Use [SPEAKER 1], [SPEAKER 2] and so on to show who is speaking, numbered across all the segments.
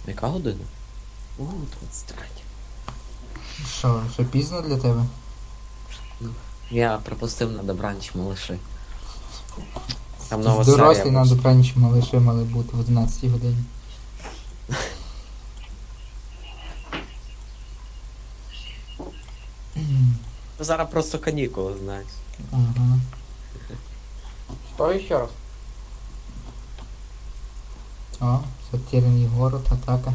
[SPEAKER 1] Яка година? О, 23.
[SPEAKER 2] Що пізно для тебе?
[SPEAKER 1] Я пропустив на добранч малыши. Там нова
[SPEAKER 2] Дорослі
[SPEAKER 1] серія
[SPEAKER 2] на
[SPEAKER 1] вийшла.
[SPEAKER 2] добраніч малиші мали бути в 11 годині.
[SPEAKER 1] Зараз просто канікули, знаєш.
[SPEAKER 2] Ага.
[SPEAKER 3] Что еще раз?
[SPEAKER 2] О, затерянный город, атака.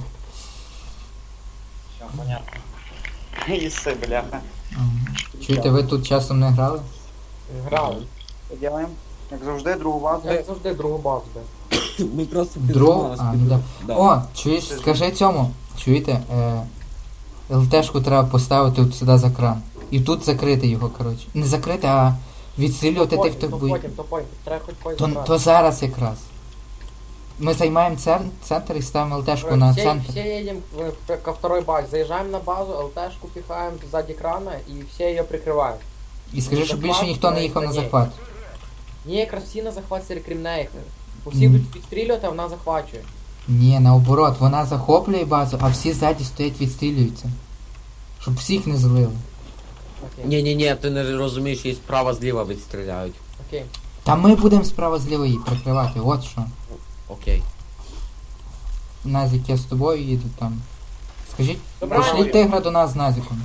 [SPEAKER 4] Все, понятно. Исы, бляха.
[SPEAKER 2] Ага. Чуєте, ви тут часом не грали?
[SPEAKER 3] Грали.
[SPEAKER 4] Що делаем? Як завжди, другу базу.
[SPEAKER 3] Як завжди другу базу, де.
[SPEAKER 1] Ми просто
[SPEAKER 2] Дров? А, ну да. О, чуєш, скажи цьому. Чуєте, ЛТшку треба поставити от сюди за кран. І тут закрити його, коротше. Не закрити, а відстрілювати тих, хто буде.
[SPEAKER 3] То потім. Треба хоч потім
[SPEAKER 2] То зараз якраз. Ми займаємо центр і ставимо ЛТшку на центр.
[SPEAKER 3] Все едем ко второй базе. Заезжаем на базу, ЛТшку пихаем сзади крана и все ее прикрывают.
[SPEAKER 2] І скажи, щоб більше ніхто не їхав на захват.
[SPEAKER 3] Ні, якраз всі на захват серекрімне їх. Бо всі будуть відстрілювати, а вона захвачує.
[SPEAKER 2] Ні, наоборот, вона захоплює базу, а всі ззаді стоять відстрілюються. Щоб всіх не злили.
[SPEAKER 3] Окей.
[SPEAKER 1] Ні, ти не розумієш, її справа-зліва відстріляють.
[SPEAKER 3] Окей.
[SPEAKER 2] Та ми будемо справа зліва її прикривати, от що.
[SPEAKER 1] Окей.
[SPEAKER 2] Назік, я з тобою їду там. Скажіть,
[SPEAKER 3] Добре.
[SPEAKER 2] пошліть тигра до нас з Назіком.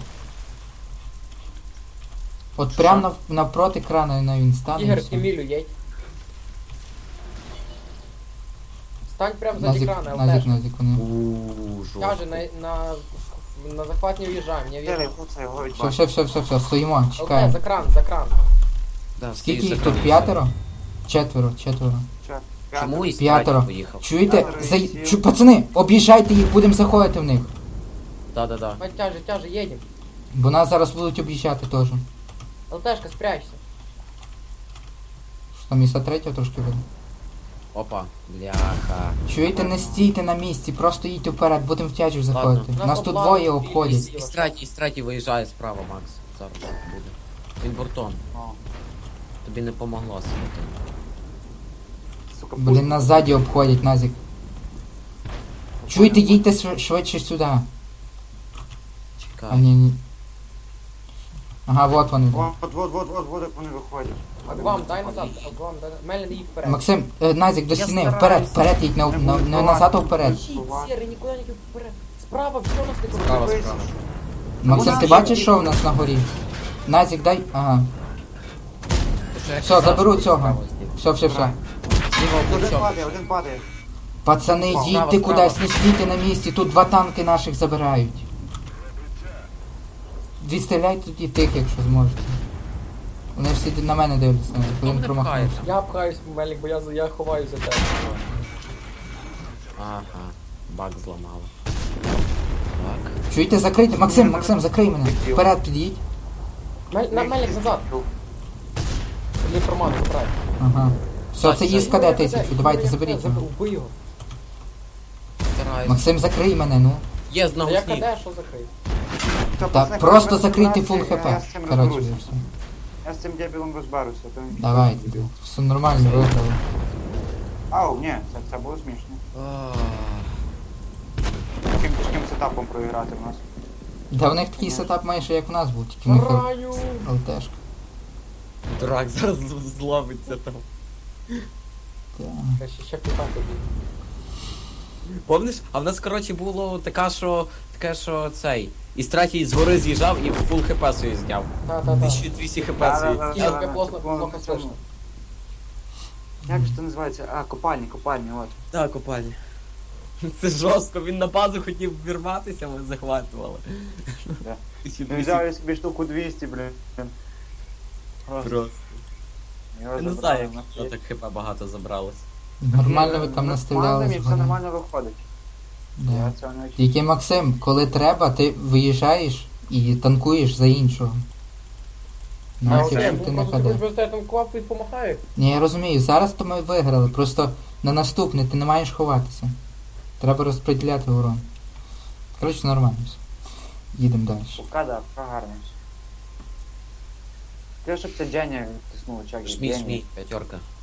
[SPEAKER 2] От прямо навпроти крана на він стане. і
[SPEAKER 3] Ігор,
[SPEAKER 2] все.
[SPEAKER 3] Емілю, їдь. Стань прямо сзади
[SPEAKER 2] Назік,
[SPEAKER 3] крана,
[SPEAKER 2] Назік,
[SPEAKER 3] ЛТшку.
[SPEAKER 2] Назік, вони.
[SPEAKER 3] Каже, на захват не уїжджаємо, не
[SPEAKER 4] Дели,
[SPEAKER 3] уїжджаємо.
[SPEAKER 4] хуца його від
[SPEAKER 2] Все, стоїмо,
[SPEAKER 3] ЛТ,
[SPEAKER 2] чекаємо.
[SPEAKER 3] за кран.
[SPEAKER 1] Да,
[SPEAKER 2] Скільки
[SPEAKER 1] всі
[SPEAKER 2] їх тут?
[SPEAKER 1] закриті.
[SPEAKER 2] П'ятеро? Четверо.
[SPEAKER 1] Чому і
[SPEAKER 2] П'ятеро.
[SPEAKER 1] поїхав?
[SPEAKER 2] Чуєте?
[SPEAKER 4] П'ятеро,
[SPEAKER 2] Пацани, об'їжджайте їх, будемо заходити в них.
[SPEAKER 1] Да.
[SPEAKER 3] Давай, тяже, едем.
[SPEAKER 2] Бо нас зараз будуть об'їжджати теж.
[SPEAKER 3] ЛТшка, спрячься.
[SPEAKER 2] Що там міста третього трошки буде.
[SPEAKER 1] Опа, бляха.
[SPEAKER 2] Чуєте, не стійте на місці, просто їдьте вперед, будемо в тячу заходити.
[SPEAKER 3] Ладно.
[SPEAKER 2] Нас тут двоє обходять.
[SPEAKER 1] Із третій виїжджає справа, Макс. Зараз буде. Він бортом. Тобі не помогло світи.
[SPEAKER 4] Сука,
[SPEAKER 2] Блін, нас ззаді обходять, Назік. Чуєте, їдьте швидше сюди. А,
[SPEAKER 1] Чекай.
[SPEAKER 2] ні. Ага, вот вони.
[SPEAKER 4] Вот, як вони виходять.
[SPEAKER 3] Агвам, дай назад, Агвам, дай. Мелін, їдь вперед.
[SPEAKER 2] Максим, Назік, до
[SPEAKER 1] Я
[SPEAKER 2] стіни,
[SPEAKER 1] стараюсь.
[SPEAKER 2] вперед їдь, не назад, а вперед.
[SPEAKER 3] Серый, никуда не вперед. Справа, все у нас не
[SPEAKER 1] Справа,
[SPEAKER 3] крутится.
[SPEAKER 1] справа.
[SPEAKER 2] Максим, ти бачиш, що в нас на горі? Назік, дай. Ага. Все, заберу цього. Все.
[SPEAKER 4] Один падає.
[SPEAKER 2] Пацани,
[SPEAKER 1] Справа,
[SPEAKER 2] їдьте
[SPEAKER 1] справа.
[SPEAKER 2] кудись, не стійте на місці, тут 2 танки наших забирають. Відстріляйте тоді тих, якщо зможете. Вони всі на мене дивляться, коли він промахнувся.
[SPEAKER 3] Я пхаюсь, Мелік, бо я ховаюсь за тебе.
[SPEAKER 1] Ага, баг зламало. Так.
[SPEAKER 2] Чуєте, закрийте? Максим, закрий мене. Вперед під'їдь.
[SPEAKER 3] Мелік, назад. Или формат, забирай.
[SPEAKER 2] Ага. Все, це їсть КД 1000, давайте заберіть його.
[SPEAKER 3] Убий його.
[SPEAKER 1] Стараюсь.
[SPEAKER 2] Максим, закрий мене, ну.
[SPEAKER 1] Є знову
[SPEAKER 3] Я
[SPEAKER 1] сніг.
[SPEAKER 3] КД, що закрив?
[SPEAKER 2] Та просто закрийте фул хп. Коротше, і все.
[SPEAKER 4] Я з цим дебілом розберуся.
[SPEAKER 2] Давайте. Все нормально, виграли.
[SPEAKER 4] Ау, ні, це було смішно.
[SPEAKER 1] А,
[SPEAKER 4] Таким тяжким сетапом проіграти в нас.
[SPEAKER 2] Да в них такий сетап майже як в нас був, тільки в них
[SPEAKER 3] Раю!
[SPEAKER 2] ЛТшка.
[SPEAKER 1] Дурак зараз зловиться там.
[SPEAKER 2] Так.
[SPEAKER 3] Ще питати буде.
[SPEAKER 1] Помниш? А в нас, коротше, було таке, що цей. Із третій згори з'їжджав і фул хп свої зняв.
[SPEAKER 3] Та.
[SPEAKER 1] 1200 хп свої.
[SPEAKER 3] Ігор, тебе плохо слышно.
[SPEAKER 4] Як же це називається? А, копальні, от.
[SPEAKER 1] Так, копальні. Це жорстко, він на базу хотів вірватися, ми захватували.
[SPEAKER 4] Да.
[SPEAKER 1] 1200
[SPEAKER 4] Він взяв я собі штуку 200, блін.
[SPEAKER 1] просто.
[SPEAKER 4] Його
[SPEAKER 1] Я не
[SPEAKER 4] забрали
[SPEAKER 1] знаю,
[SPEAKER 4] на
[SPEAKER 1] як так хп багато забралось.
[SPEAKER 2] Нормально ви там
[SPEAKER 4] Ну,
[SPEAKER 2] настріляли
[SPEAKER 4] все
[SPEAKER 2] згодом.
[SPEAKER 4] нормально виходить.
[SPEAKER 2] Да.
[SPEAKER 4] Я цього не очікував.
[SPEAKER 2] Тільки Максим, коли треба, ти виїжджаєш і танкуєш за іншого. Нафіг, щоб ти не
[SPEAKER 3] Ти
[SPEAKER 2] ходив.
[SPEAKER 3] просто там квапу і помахаю.
[SPEAKER 2] Ні, я розумію, зараз то ми виграли, просто на наступне ти не маєш ховатися. Треба розподіляти урон. Коротше, нормально все. Їдемо далі.
[SPEAKER 4] Пока, да, гарно. Те, щоб це Дженя відтиснуло, чак.
[SPEAKER 1] Жмій, п'ятерка.